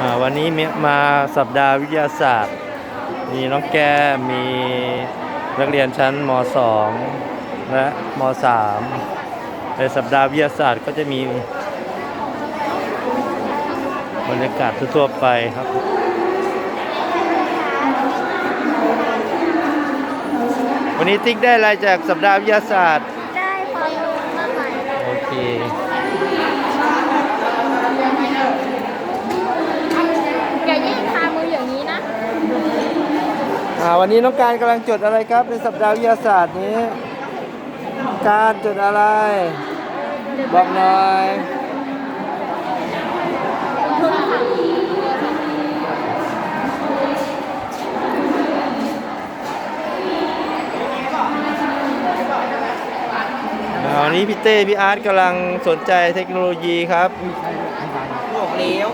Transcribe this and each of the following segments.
วันนี้มาสัปดาห์วิทยาศาสตร์ มีน้องแก้มมีนักเรียนชั้นม.2 และม.3 ในสัปดาห์วิทยาศาสตร์ก็จะมีบรรยากาศทั่วๆไปครับวันนี้ติ๊กได้อะไรจากสัปดาห์วิทยาศาสตร์ได้ความรู้มาใหม่โอเคอย่ายื่นคามืออย่างนี้นะวันนี้น้องการกำลังจดอะไรครับในสัปดาห์วิทยาศาสตร์นี้การจดอะไรบอกหน่อยวันนี้พี่เต้พี่อาร์ตกำลังสนใจเทคโนโลยีครับบอกเลี้ยว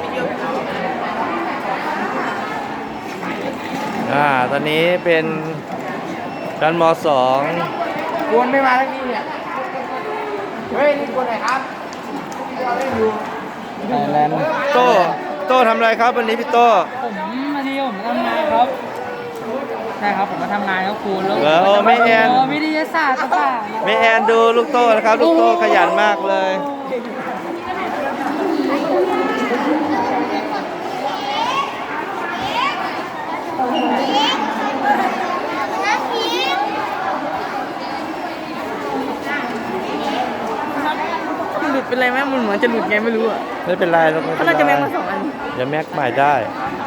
ตอนนี้เป็นชั้นม.2 กวนไม่มาทั้งนี้เนี่ยเฮ้ยนี่กวนไหนครับเล่นอยู่โต้ทำอะไรครับวันนี้พี่โต้วันนี้ผมทำงานครับใช่ครับผมมาทำงานครับครูแล้วไม่แอนวิทยาศาสตร์ต่างๆไม่แอนดูลูกโต้นะครับลูกโต้ขยันมากเลยหลุดเป็นไรไหมมันเหมือนจะหลุดไงไม่รู้อ่ะไม่เป็นไรเขาน่าจะแม็กมา2 อันอย่าแม็กใหม่ได้